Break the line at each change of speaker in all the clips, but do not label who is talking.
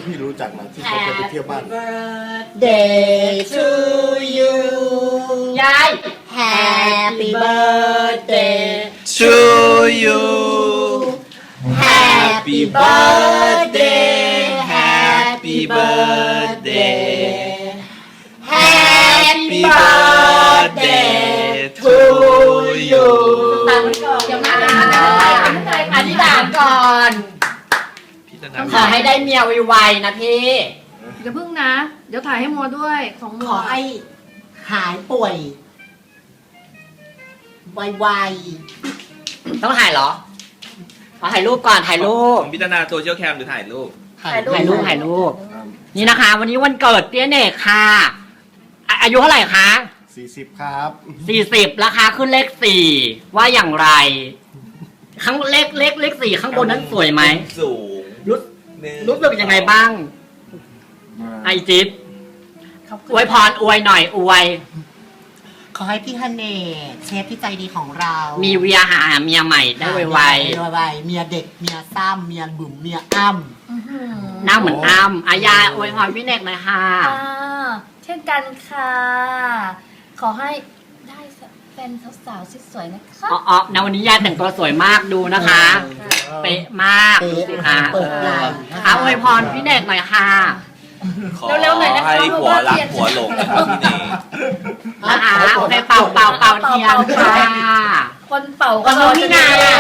พี่รู้จักนะที่เขาเคยไปเที่ยวบ้าน
Day to you
ยาย
Happy birthday
to you
Happy birthday Happy birthday Happy birthday to you
เดี๋ยวมาอธิษฐานก่อน
พี่จะ
ขอให้ได้เมียไวๆนะพี่
อย่าพึ่งนะ เดี๋ยวถ่ายให้โมด้วยของโม
ขอให้หายป่วยไว
ต้องถ่ายเหรอขอถ่ายรูปก่อนถ่ายรูป
ของพี่ธนาโซเชียลแคมหรือถ่ายรูป
ๆ
ถ่ายรูปนี่นะคะ วันนี้วันเกิดเตี้ยเนกค่ะอายุเท่าไหร่คะ
40 ครับ
40ราคาขึ้นเลข4ว่าอย่างไรข้างเลข4ข้างบนนั้นสวยไหม
สูง
รู้สึกยังไงบ้างไอจิ๊บอวยพรอวยหน่อยอวย
ขอให้พี่ฮันเน่เชฟที่ใจดีของเรา
มีเวียหาเมียใหม่ได้ไว
ไวๆเมียเด็กเมียซ้ำเมียบุ๋มเมียอ้ำ
ๆหน้าเหมือนอ้ำอายาอวยพรพี่เนกหน่อยค่ะ
เช่นกันค่ะ ขอให้ได้เป็นสาวๆสวยๆนะคะ
อ๋อในวันนี้ยายแต่งตัวสวยมากดูนะคะ เป๊ะมากดูสิคะ
เปิดไหล่
อวยพรพี่เนกหน่อยค่ะ
ขอให้ผัวรักผัวหลงนะครับพี่เนย
นะคะโอเคเป่าเทียนค่ะ
คนเป่า
ก็น้องพี่นา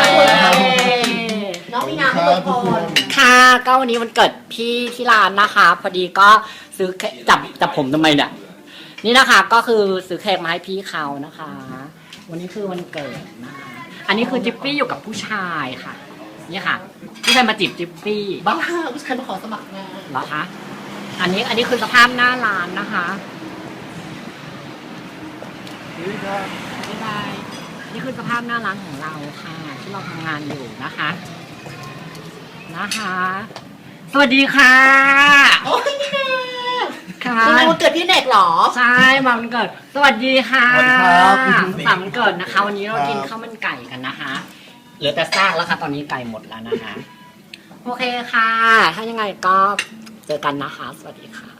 น้องมีนาไม่เปิดพร
ค่ะก็วันนี้วันเกิดพี่ที่ร้านนะคะ พอดีก็ซื้อจับผมทำไมเนี่ยนี่นะคะก็คือซื้อเค้กมาให้พี่เขานะคะ วันนี้คือวันเกิดนะคะอันนี้คือจิ๊ปปี้อยู่กับผู้ชายค่ะนี่ค่ะผู้ชายมาจีบจิ๊ปปี้
บ้าผู้ชายมาขอสมัครงาน
เหรอคะอันนี้คือสภาพหน้าร้านนะคะบ๊ายบายนี่คือสภาพหน้าร้านของเราค่ะ ที่เราทำงานอยู่นะคะสวัสดีค่ะ
โอ้ยนี่แน่
ค่ะ
ทำไมวันเกิดพี่เนกเหรอ
ใช่มาวันเกิด สวัสดีค่ะ
สวัสดีครับ
สามวันเกิดนะคะ วันนี้เรากินข้าวมันไก่กันนะคะเหลือแต่ซากแล้วค่ะ ตอนนี้ไก่หมดแล้วนะคะ โอเคค่ะ ถ้ายังไงก็เจอกันนะคะ สวัสดีค่ะ